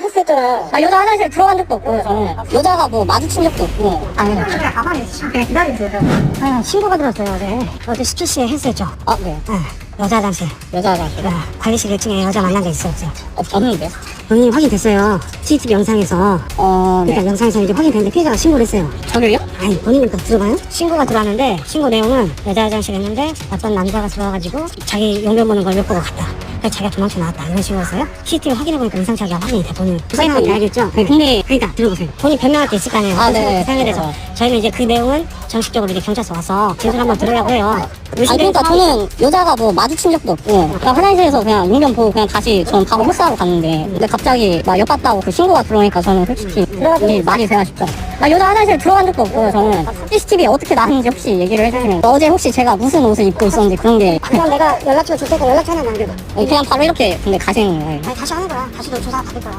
했었잖아. 여자 화장실 들어간 적도 없고요, 저는. 여자가 뭐 마주친 적도 없고. 아니, 가만히 그냥 기다리세요. 신고가 들었어요, 어제 17시에 했었죠. 아, 네. 여자 화장실. 여자 화장실. 관리실 1층에 여자 만난 적 있어요, 없어요? 없는데? 본인이 확인됐어요. CCTV 영상에서. 그러니까 영상에서 이제 확인됐는데 피해자가 신고를 했어요. 저를요? 아니, 본인부터 들어봐요. 신고가 들어왔는데, 신고 내용은 여자 화장실 했는데, 어떤 남자가 들어와가지고, 자기 용변 보는 걸 못 보고 갔다. 그래서 자기가 도망쳐 나왔다. 이런 식으로였어요. CCTV 확인해보니까 음성차기가 확인이 돼, 본인. 설명한테 알겠죠? 네, 근데 그러니까, 들어보세요. 본인 변명할 게 있을 거 아니에요. 네. 사연에 대해서. 저희는 이제 그 내용은 정식적으로 이제 경찰서 와서 진술 한번 들으려고 해요. 그러니까 저는 여자가 뭐 마주친 적도 없고 그냥 화장실에서 그냥 용변 보고 그냥 다시 저는 바로 흡수하러 갔는데 근데 갑자기 막 엿봤다고 그 신고가 들어오니까 저는 솔직히 이게 말이 돼야 싶죠. 여자 화장실 들어간 적도 없고요. 저는 CCTV에 어떻게 나왔는지 혹시 얘기를 해주시면 어제 혹시 제가 무슨 옷을 입고 있었는지 그런 게 그럼 내가 연락처 줄 테니까 연락처 하나 남겨봐. 그냥 바로 이렇게 근데 가시는 거예요. 아니, 다시 하는 거야. 다시 너 조사 받을 거야.